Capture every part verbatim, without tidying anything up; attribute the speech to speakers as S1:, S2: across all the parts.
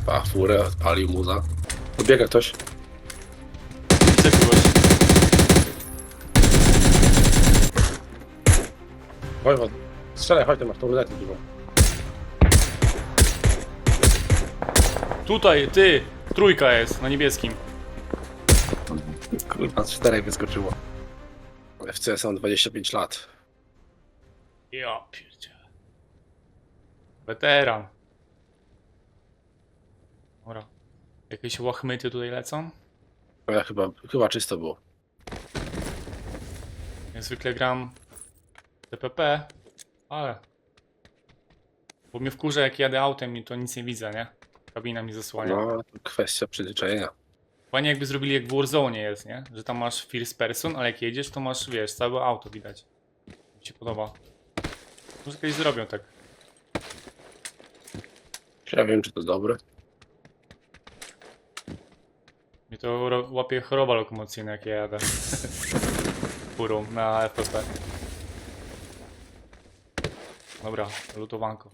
S1: Pa, furę, odpalił muza. Podbiega ktoś.
S2: Widzę kogoś.
S1: Wojwod, strzelaj, chodź, ty masz tą lunetę dużą.
S2: Tutaj, ty! Trójka jest, na niebieskim.
S1: Kurwa, z czterech wyskoczyło. F C S mam dwadzieścia pięć lat.
S2: Ja pierdzielę. Weteran. Dobra. Jakieś łachmyty tutaj lecą?
S1: No ja chyba, chyba czysto było.
S2: Ja zwykle gram T P P, ale... Bo mnie wkurza, jak jadę autem i to nic nie widzę, nie? Kabina mi zasłania.
S1: No, kwestia przyzwyczajenia.
S2: Fajnie jakby zrobili jak w Warzone jest, nie? Że tam masz first person, ale jak jedziesz, to masz, wiesz, całe auto widać. Mi się podoba. Może kiedyś zrobią tak.
S1: Ja wiem, czy to dobre.
S2: Mnie to ro- łapie choroba lokomocyjna, jak ja jadę. Furą na F P P. Dobra, lutowanko.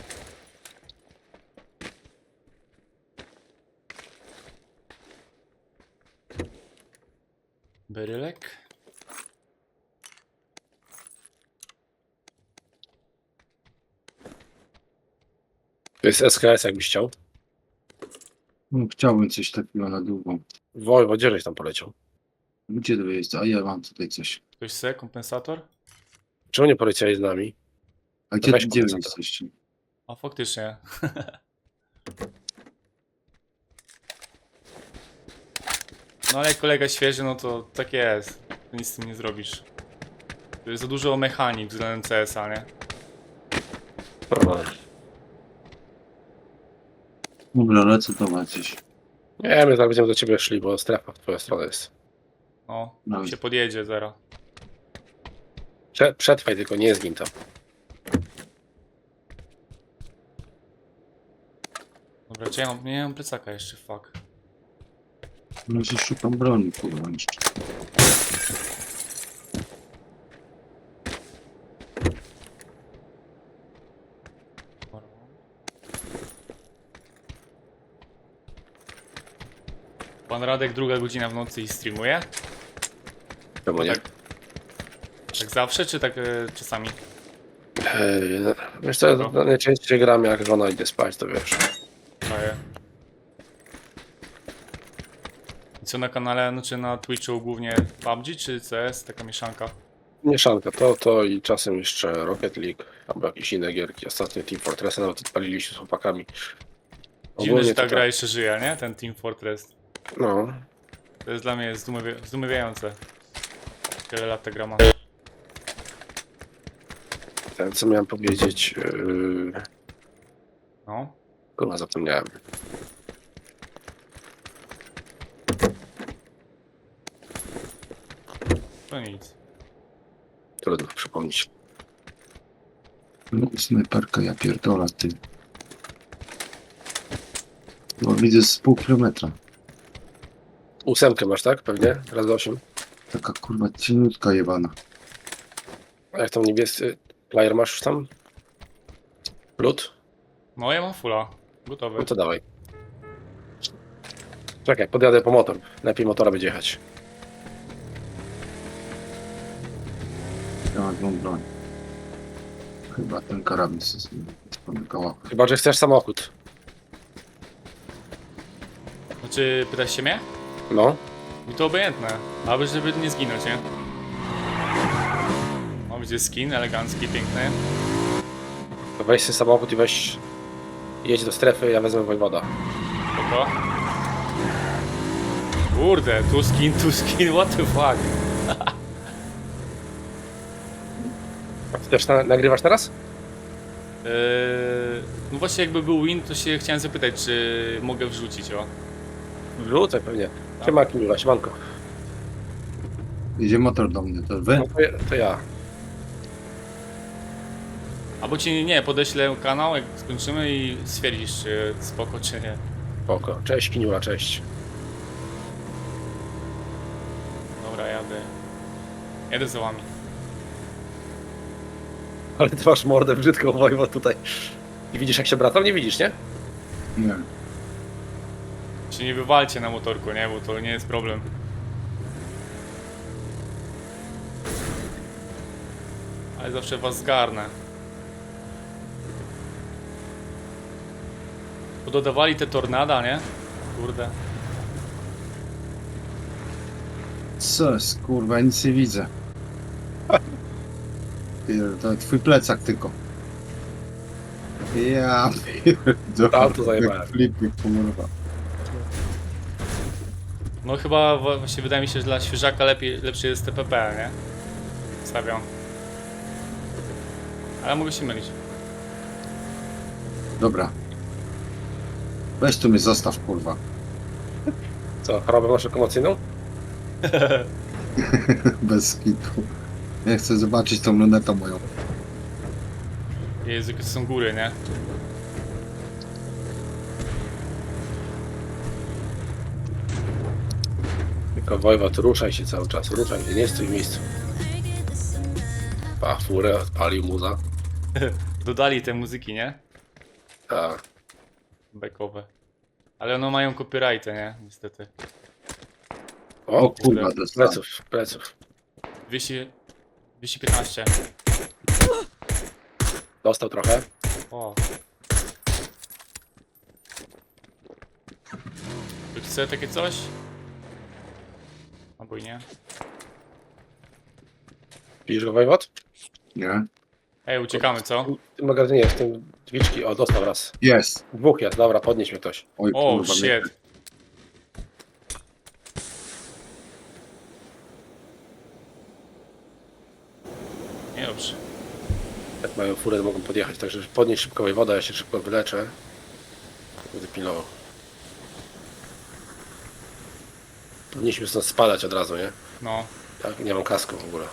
S2: Berylek.
S1: To jest S K S, jakbyś chciał.
S3: No, chciałbym coś takiego na długo.
S1: Wojwod, gdzie żeś tam poleciał?
S3: Gdzie to jest? A ja mam tutaj coś.
S2: Ktoś se, kompensator?
S1: Czemu nie poleciałeś z nami?
S3: A gdzie,
S1: weź
S3: gdzie wy
S1: kompensator.
S3: jesteście?
S2: A faktycznie. No ale jak kolega świeży, no to tak jest. Nic z tym nie zrobisz. To jest za dużo mechanik względem C S a, nie?
S3: Dobra, lecę to macie.
S1: Nie, my zaraz będziemy do ciebie szli, bo strefa w twoją stronę jest.
S2: No,
S3: No.
S2: się podjedzie zero.
S1: Prze przetrwaj tylko, nie zgin tam.
S2: Dobra, czy ja mam, nie mam plecaka jeszcze, fuck.
S3: No się szukam broni, kurwa, jeszcze.
S2: Pan Radek druga godzina w nocy i streamuje?
S1: Czemu nie?
S2: Tak, tak zawsze, czy tak e, czasami?
S1: Eee, wiesz co, no, najczęściej gram jak żona idzie spać, to wiesz.
S2: Daję. I co na kanale, no czy na Twitchu głównie P U B G czy C S? Taka mieszanka.
S1: Mieszanka, to, to i czasem jeszcze Rocket League, albo jakieś inne gierki. Ostatnio Team Fortress nawet odpaliliśmy z chłopakami.
S2: Dziwne,
S1: Ogólnie
S2: że ta
S1: to
S2: gra
S1: tak.
S2: jeszcze żyje, nie? Ten Team Fortress.
S1: No,
S2: To jest dla mnie zdumiewa- zdumiewające. Tyle lat ta gra ma.
S1: ten co miałem powiedzieć, yy,
S2: No.
S1: kurwa zapomniałem.
S2: To nic.
S1: Trudno przypomnieć.
S3: No, snajperka, ja pierdolę, ty. No widzę z pół kilometra.
S1: Ósemkę masz, tak? Pewnie? Raz do osiem.
S3: Taka kurwa cieniutka jebana.
S1: A jak tam niebiescy player masz już tam? Lód?
S2: No ja mam fulla. Gotowy.
S1: No to dawaj. Czekaj, podjadę po motor. Lepiej motora będzie jechać.
S3: Ja mam tą broń. Chyba ten karabin się spomykała.
S1: Chyba, że chcesz samochód.
S2: Znaczy, pytasz się mnie?
S1: No.
S2: Mi to obojętne. Aby żeby nie zginąć, nie? O, widzę skin elegancki, piękny.
S1: To weź sobie samochód i weź... Jedź do strefy, ja wezmę Wojwoda.
S2: Spoko. Kurde, tu skin, tu skin, what the fuck?
S1: A ty też na nagrywasz teraz?
S2: Eee, no właśnie jakby był win, to się chciałem zapytać, czy mogę wrzucić, o.
S1: Wrzucę pewnie. Siema Kimula, siemanko.
S3: Idzie motor do mnie, to wy?
S1: No to, ja- to ja.
S2: Albo ci, nie, podeślę kanał, jak skończymy i stwierdzisz, czy spoko, czy nie.
S1: Spoko. Cześć Kiniula, cześć.
S2: Dobra, jadę. Jadę za wami.
S1: Ale ty masz mordę brzydką, Wojwod, tutaj. I widzisz jak się bracam? Nie widzisz, nie?
S3: Nie.
S2: się nie wywalcie na motorku, nie? Bo to nie jest problem. Ale zawsze was zgarnę. Pododawali te tornada, nie? Kurde.
S3: Co jest, kurwa, ja nic nie widzę. Pierdolę, twój plecak tylko. Ja pierdolę.
S1: Auto zajebałem.
S3: Flipy, kurwa.
S2: No chyba wa- właśnie wydaje mi się, że dla świeżaka lepiej, lepszy jest T P P, nie? Stawiam. Ale mogę się mylić.
S3: Dobra. Weź tu mnie zostaw, kurwa.
S1: Co, chorobę masz lokomocyjną?
S3: Bez kitu. Ja chcę zobaczyć tą lunetę moją.
S2: Jezu, jakie to są góry, nie?
S1: Tylko Wojwod, ruszaj się cały czas, ruszaj się, nie stój w miejscu. Pa, furę odpalił muza.
S2: Dodali te muzyki, nie?
S1: Tak.
S2: Backowe. Ale one mają copyrighty, nie? Niestety.
S3: O
S1: O,
S3: kurwa, dostałem.
S1: pleców, pleców.
S2: dwieście, dwieście piętnaście.
S1: Dostał trochę.
S2: O. Czy chce takie coś? Albo i nie.
S1: Widzisz go, Wojwod?
S3: Nie?
S2: Ej, uciekamy, co?
S1: W tym magazynie, w tym drzwiczki. O, dostał raz.
S3: Jest.
S1: Dwóch jest, dobra, podnieś mnie ktoś.
S3: Oj,
S2: O,
S3: kurwa, mnie-
S2: shit. Nie dobrze.
S1: Jak mają furę, to mogą podjechać, także podnieś szybko Wojwoda, ja się szybko wyleczę. Będę pilnował. Powinniśmy stąd spadać od razu, nie?
S2: No.
S1: Tak, nie mam kasku w ogóle.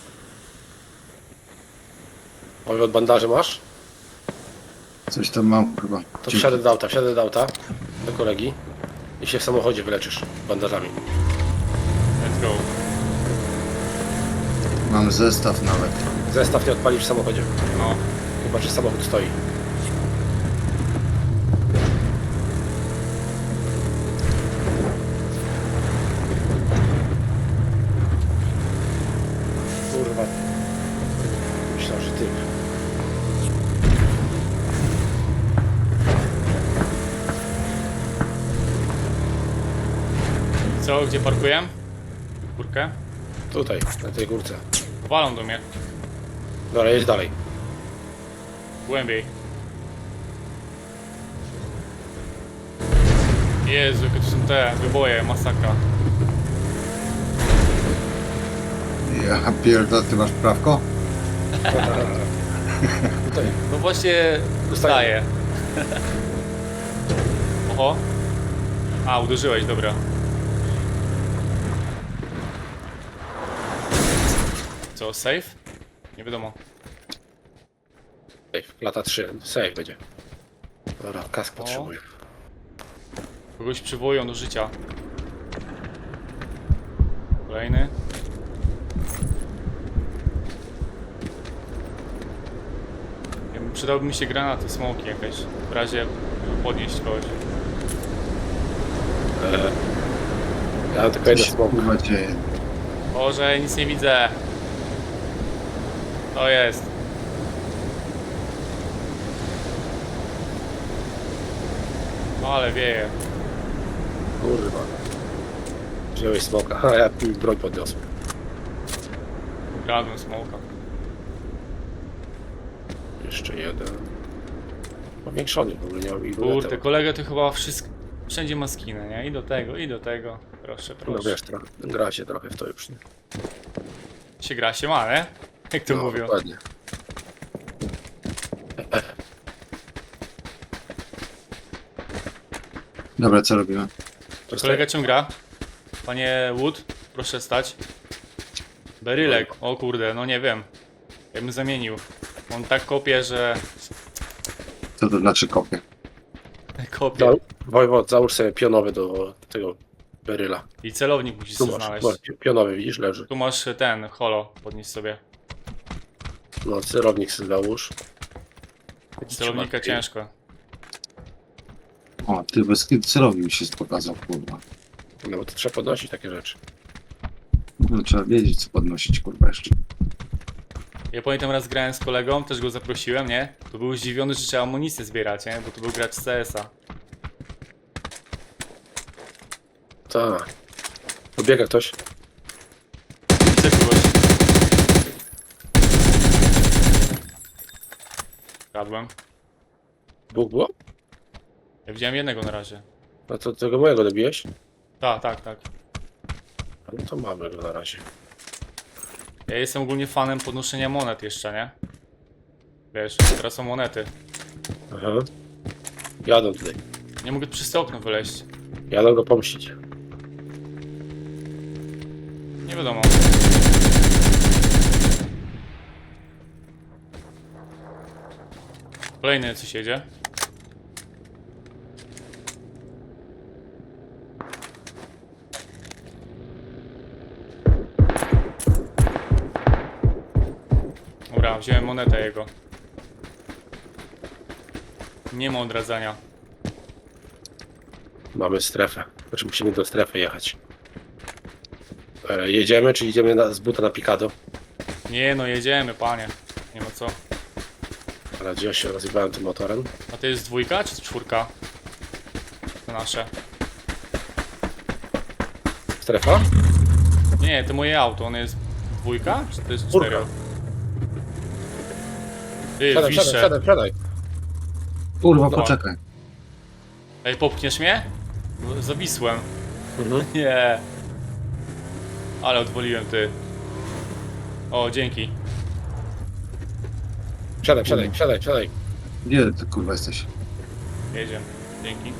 S1: Wojwod, bandaże masz?
S3: Coś tam mam, chyba.
S1: To wsiadę do auta, wsiadę do auta. Do kolegi. I się w samochodzie wyleczysz bandażami.
S2: Let's go.
S3: Mam zestaw nawet.
S1: Zestaw nie odpalisz w samochodzie.
S2: No.
S1: Chyba, że samochód stoi. Kurwa. Myślałem, że ty.
S2: Co, gdzie parkuję? Górkę?
S1: Tutaj, na tej górce.
S2: Walą do mnie.
S1: Dobra, jedź dalej.
S2: Głębiej. Jezu, jakie to są te wyboje, masakra.
S3: Ja pierdolę, ty masz prawko?
S1: Tutaj.
S2: No właśnie dostaję. Oho. A, uderzyłeś, dobra. Co, safe? Nie wiadomo.
S1: Safe, lata trzy. Safe będzie. Dobra, kask potrzebuję.
S2: Kogoś przywołują do życia. Kolejny. Ja bym- Przydałyby mi się granaty, smoki jakieś. W razie żeby podnieść kogoś.
S1: Eee, ja mam tylko jeden
S3: Co się,
S1: smok.
S3: kurwa, dzieje?
S2: Boże, nic nie widzę. To jest. Ale wieje.
S1: Kurwa. Wziąłeś smoka. A ja mi broń podniosłem.
S2: Kradłem smoka.
S1: Jeszcze jeden. Powiększony w ogóle, nie mam ilu.
S2: Kurde, kolega to chyba wszystko. Wszędzie ma skinę, nie? I do tego, i do tego. Proszę,
S1: No
S2: proszę.
S1: wiesz, trochę, gra się trochę w to już. Nie?
S2: Się gra, się ma, nie? Jak to
S1: No,
S2: mówią.
S1: dokładnie.
S3: Dobra, co robimy?
S2: Kolega cię gra. Panie Wood, proszę stać. Berylek, o kurde, no nie wiem. Ja bym zamienił. On tak kopie, że...
S3: Co to znaczy kopie?
S2: Kopie.
S1: Za, Wojwod, załóż sobie pionowy do tego beryla.
S2: I celownik musisz
S1: Tu
S2: sobie
S1: masz,
S2: znaleźć.
S1: masz pi- pionowy, widzisz, leży.
S2: Tu masz ten, holo, podnieś sobie.
S1: No, celownik sobie załóż.
S2: Celownika
S1: Trzyma-
S2: ciężko.
S3: O, O, ty bez kiedy celowi mi się pokazał, kurwa.
S1: No bo to trzeba podnosić takie rzeczy.
S3: No, trzeba wiedzieć, co podnosić, kurwa, jeszcze.
S2: Ja pamiętam raz grałem z kolegą, też go zaprosiłem, nie? To był zdziwiony, że trzeba amunicję zbierać, nie? Bo to był gracz z C S a.
S1: Tak. Pobiega ktoś.
S2: Widzę kogoś. Kradłem.
S1: Dwóch było?
S2: Ja widziałem jednego na razie.
S1: No to tego mojego dobiłeś?
S2: Tak, tak, tak.
S1: No to mamy go na razie.
S2: Ja jestem ogólnie fanem podnoszenia monet jeszcze, nie? Wiesz, teraz są monety.
S1: Aha. Jadą tutaj.
S2: Nie mogę przez to okno wyleźć.
S1: Jadą go pomścić.
S2: Nie wiadomo. Kolejny coś jedzie. Dobra, wziąłem monetę jego. Nie ma odradzania.
S1: Mamy strefę. Znaczy musimy do strefy jechać. E, jedziemy, czy idziemy na, z buta na Pikado?
S2: Nie no, jedziemy, panie. Nie ma co.
S1: Ale gdzie ja się rozjebałem tym motorem?
S2: A to jest dwójka czy czwórka? To nasze.
S1: Strefa?
S2: Nie, to moje auto, ono jest dwójka? Czy to jest
S1: Czwórka.
S2: cztery? Ty,
S1: Siadaj, siadaj,
S2: wiszę.
S1: siadaj, siadaj.
S3: Kurwa,
S2: Dobra.
S3: poczekaj.
S2: Ej, popchniesz mnie? Bo zawisłem.
S1: Mhm.
S2: Nie. Ale odwoliłem, ty. O, dzięki.
S1: Siadaj, siadaj, siadaj, siadaj.
S3: Gdzie ty, kurwa, jesteś?
S2: Jedziemy. Dzięki.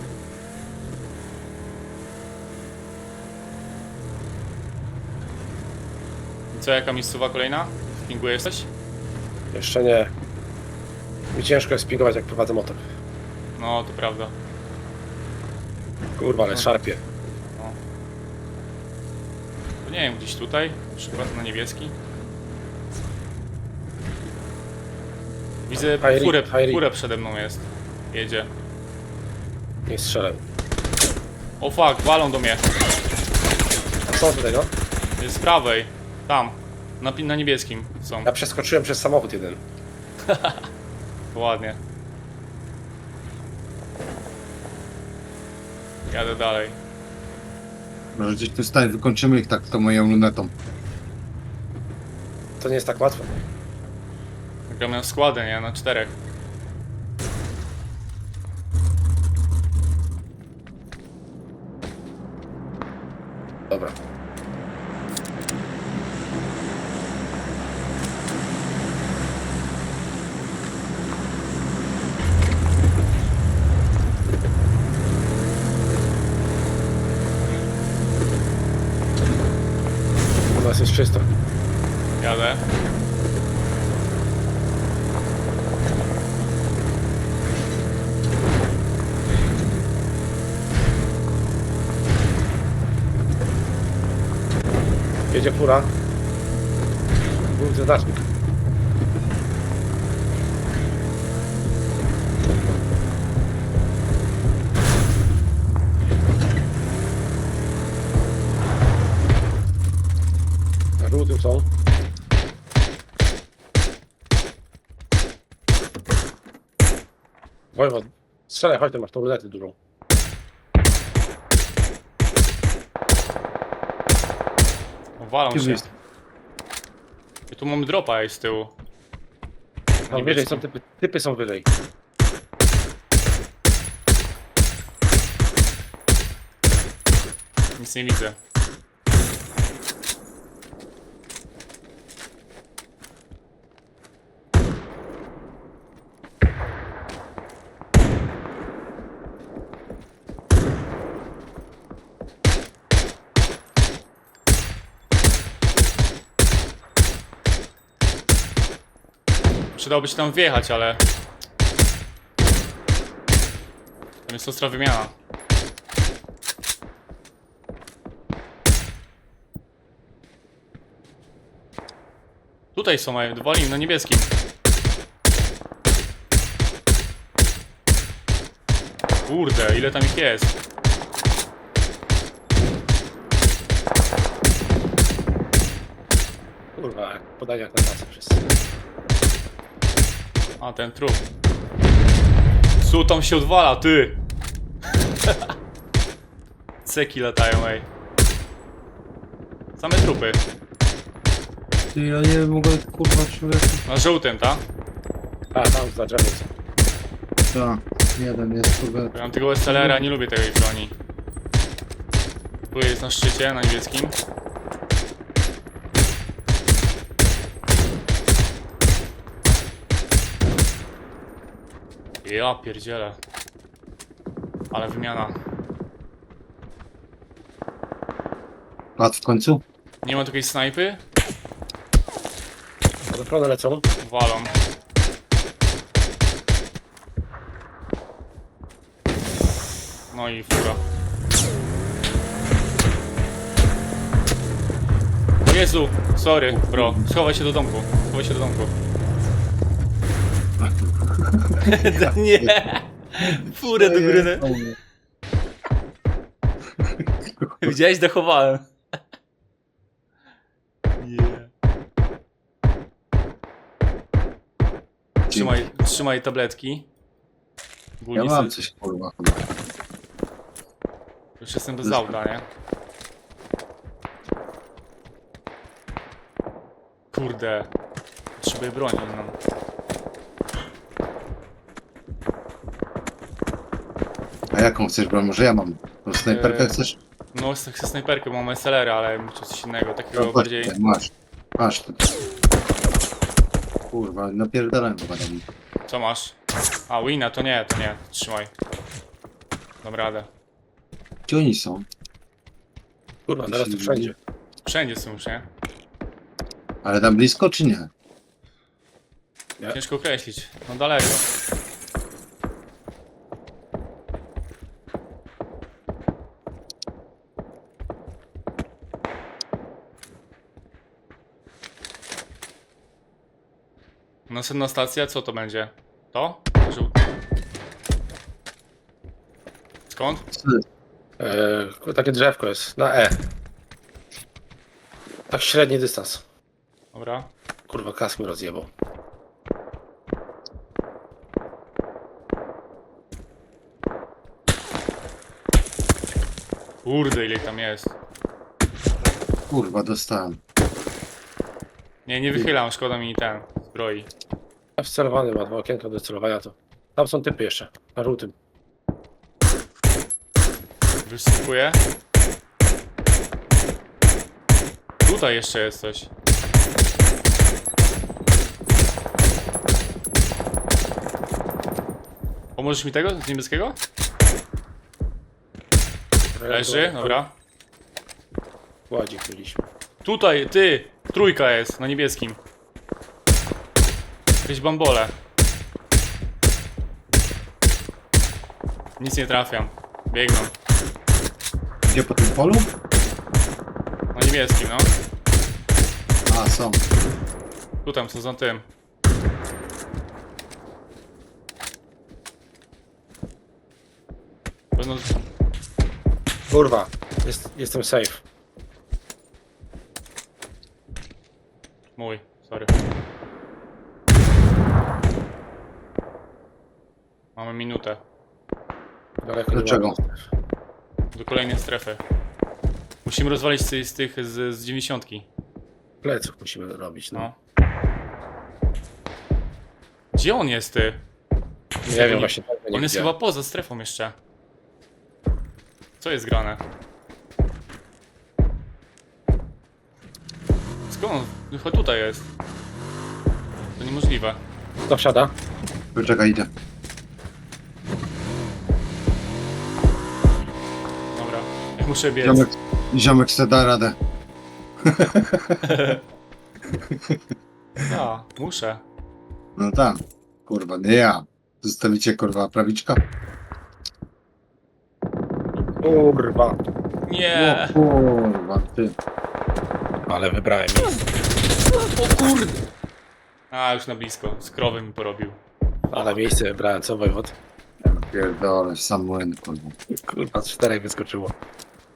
S2: I co, jaka miejscowa kolejna? W pingu jesteś?
S1: Jeszcze nie. Mi ciężko jest pingować, jak prowadzę motor.
S2: No, to prawda.
S1: Kurwa, ale szarpie.
S2: To nie wiem, gdzieś tutaj? Na przykład na niebieski? Widzę
S1: High
S2: furę,
S1: Rig, High Rig.
S2: furę przede mną jest. Jedzie.
S1: Nie strzelaj.
S2: O fuck, walą do mnie.
S1: A co tutaj, no?
S2: Jest z prawej. Tam. Na, pi- na niebieskim są.
S1: Ja przeskoczyłem przez samochód jeden.
S2: Ładnie. Jadę dalej.
S3: Może gdzieś tu stań, wykończymy ich tak to moją lunetą.
S1: To nie jest tak łatwe.
S2: Gramy w składę, nie? Na czterech.
S1: Dobra. U nas jest czysto.
S2: Jadę.
S1: Jedzie fura. Główny znacznik. Na żółtym są. Wojwod, strzelaj, chodź, ty masz tą lunetę dużą.
S2: O, walą
S3: Gdzie
S2: się.
S3: jest?
S2: I tu mamy dropa ej, z tyłu.
S1: Tam wyżej są typy, typy są wyżej.
S2: Nic nie widzę. Przydałoby się tam wjechać, ale... Tam jest ostra wymiana. Tutaj są, mają dwa liny na niebieskim. Kurde, ile tam ich jest?
S1: Kurwa, jak podania jak na tacy wszyscy.
S2: A, ten trup. Co tam się odwala, ty? Ceki latają, ej. Same trupy.
S4: Ty, ja nie mogę, kurwa, człowieku.
S2: Na żółtym, tak?
S1: A, tam za drzewem są.
S4: Tak, jeden jest, kurwa.
S2: Ja mam tego S L R-a, nie lubię tej broni. Tu jest na szczycie, na niebieskim. Ja pierdzielę. Ale wymiana.
S3: Padł w końcu?
S2: Nie ma takiej snajpy?
S1: Odprone lecą.
S2: Walą. No i fura. O Jezu, sorry, bro. Schowaj się do domku. Schowaj się do domku. Nie! Furę do góry. Widziałeś? Dochowałem. Nie. Trzymaj, trzymaj tabletki.
S3: Ja
S2: Ogólnie
S3: mam
S2: se-
S3: coś, kurwa, chyba.
S2: Już jestem bez auta, nie? Kurde. Potrzebuję broni inną.
S3: A jaką chcesz, bro? Może ja mam? Tą snajperkę
S2: Eee,
S3: chcesz?
S2: No, chcę chcę snajperkę, mam S L R, ale muszę coś innego, takiego
S3: No, chodź
S2: bardziej...
S3: tutaj, masz. Masz tu. Kurwa, napierdalałem chyba tam.
S2: Co masz? A, Wina, to nie, to nie. Trzymaj. Dam radę.
S3: Gdzie oni są?
S1: Kurwa, teraz tu wszędzie.
S2: Wszędzie są już, nie?
S3: Ale tam blisko, czy nie?
S1: Nie.
S2: Ciężko określić. No daleko. Następna stacja, co to będzie? To? Żół- Skąd?
S1: Eee, takie drzewko jest, na E. Tak średni dystans.
S2: Dobra.
S1: Kurwa, kask mi rozjebał.
S2: Kurde, ile ich tam jest.
S3: Kurwa, dostałem.
S2: Nie, nie wychylam, szkoda mi ten zbroi.
S1: A wcelowany ma dwa okienka do celowania to. Tam są typy jeszcze, na żółtym.
S2: Wysypuję. Tutaj jeszcze jest coś. Pomożesz mi tego? Z niebieskiego? Leży, dobra.
S1: Ładzik mieliśmy.
S2: Tutaj, ty! Trójka jest, na niebieskim. Jakieś bambole. Nic nie trafiam. Biegną.
S3: Gdzie po tym polu?
S2: Na niebieskim, no.
S3: A, są.
S2: Tu tam są za tym. Pewno...
S1: Kurwa, jest, jestem safe.
S2: Mój, sorry. Mamy minutę
S1: Daleko nie
S3: Dlaczego?
S1: ma.
S2: do kolejnej strefy. Musimy rozwalić z, z tych z, z dziewięćdziesiątki.
S1: Pleców musimy robić, no.
S2: No. Gdzie on jest, ty?
S1: Nie
S2: nie-
S1: wiem właśnie. tego nie
S2: On jest
S1: widziałem.
S2: chyba poza strefą jeszcze. Co jest grane? Skąd? Chyba tutaj jest. To niemożliwe.
S1: Kto wsiada?
S3: Poczekaj, idę.
S2: Dobra. Ja muszę biec.
S3: Ziomek, ziomek se da radę.
S2: A, muszę.
S3: No tak. Kurwa, nie ja. Zostawicie, kurwa, prawiczka?
S1: Kurwa.
S2: Nie!
S3: O kurwa, ty.
S1: Ale wybrałem miejsce.
S2: O kurde! A, już na blisko. Z krowy mi porobił.
S1: Ale miejsce wybrałem, co wojewód?
S3: Pierdolę, sam młyn, kurwa.
S1: Kurwa, z czterech wyskoczyło.